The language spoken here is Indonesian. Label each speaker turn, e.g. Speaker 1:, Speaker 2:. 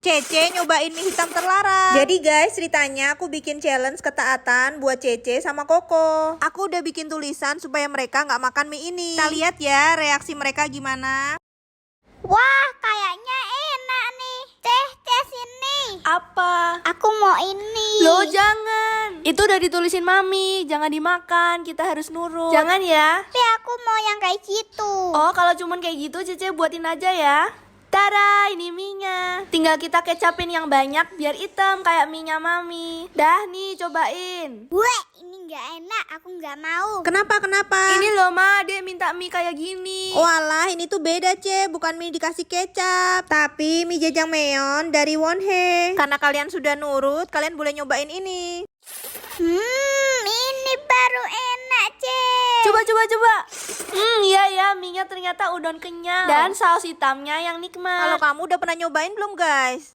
Speaker 1: Cece nyobain mie hitam terlarang. Jadi guys, ceritanya aku bikin challenge ketaatan buat Cece sama Koko. Aku udah bikin tulisan supaya mereka nggak makan mie ini. Kita lihat ya reaksi mereka gimana.
Speaker 2: Wah, kayaknya enak nih. Ceh, sini.
Speaker 3: Apa?
Speaker 2: Aku mau ini.
Speaker 3: Loh jangan. Itu udah ditulisin mami, jangan dimakan, kita harus nurut. Jangan ya.
Speaker 2: Tapi aku mau yang kayak gitu.
Speaker 3: Oh kalau cuman kayak gitu Cece buatin aja ya. Tada, ini mie-nya. Tinggal kita kecapin yang banyak biar hitam kayak mie-nya mami. Dah nih, cobain.
Speaker 2: Weh, ini nggak enak. Aku nggak mau.
Speaker 1: Kenapa?
Speaker 3: Ini loh ma, dia minta mie kayak gini.
Speaker 1: Walah, ini tuh beda, Ce. Bukan mie dikasih kecap, tapi mie jajangmyeon dari Wonhe. Karena kalian sudah nurut, kalian boleh nyobain ini.
Speaker 2: Ini baru enak, Ceh.
Speaker 3: Coba. Iya ya, mie-nya ternyata udon kenyal. Dan saus hitamnya yang nikmat.
Speaker 1: Kalau kamu udah pernah nyobain belum, guys?